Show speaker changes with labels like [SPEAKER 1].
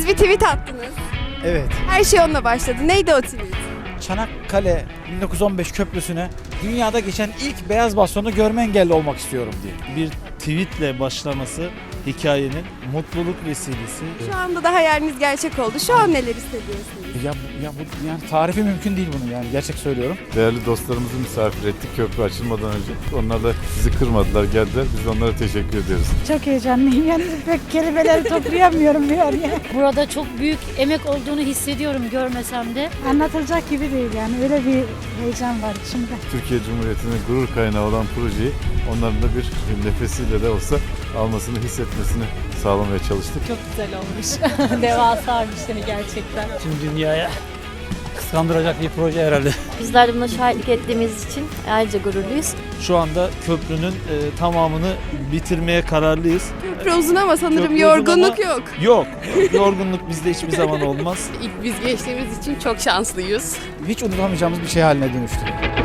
[SPEAKER 1] Siz bir tweet attınız.
[SPEAKER 2] Evet.
[SPEAKER 1] Her şey onunla başladı. Neydi o tweet?
[SPEAKER 2] Çanakkale 1915 köprüsüne dünyada geçen ilk beyaz bastonu görme engelli olmak istiyorum diye.
[SPEAKER 3] Bir tweetle başlaması hikayenin mutluluk vesilesi.
[SPEAKER 1] Şu anda da hayaliniz gerçek oldu. Şu an neler hissediyorsunuz?
[SPEAKER 2] Ya bu yani tarifi mümkün değil bunun, yani gerçek söylüyorum.
[SPEAKER 4] Değerli dostlarımızı misafir ettik köprü açılmadan önce. Onlar da bizi kırmadılar, geldiler. Biz onlara teşekkür ediyoruz.
[SPEAKER 5] Çok heyecanlıyım. Yani pek kelimeleri toplayamıyorum yani.
[SPEAKER 6] Burada çok büyük emek olduğunu hissediyorum görmesem de.
[SPEAKER 5] Anlatılacak gibi değil yani. Öyle bir heyecan var içimde.
[SPEAKER 4] Türkiye Cumhuriyeti'nin gurur kaynağı olan projeyi onların da bir nefesiyle de olsa almasını, hissetmesini sağlamaya çalıştık.
[SPEAKER 6] Çok güzel olmuş. Devasa bir şey gerçekten.
[SPEAKER 3] Tüm dünyaya kıskandıracak bir proje herhalde.
[SPEAKER 7] Bizler de buna şahitlik ettiğimiz için ayrıca gururluyuz.
[SPEAKER 3] Şu anda köprünün tamamını bitirmeye kararlıyız.
[SPEAKER 1] Köprü uzun ama sanırım
[SPEAKER 3] Köprü uzun
[SPEAKER 1] yorgunluk
[SPEAKER 3] ama-
[SPEAKER 1] yok.
[SPEAKER 3] Yok, yorgunluk bizde hiçbir zaman olmaz.
[SPEAKER 8] İlk biz geçtiğimiz için çok şanslıyız.
[SPEAKER 2] Hiç unutamayacağımız bir şey haline dönüştü.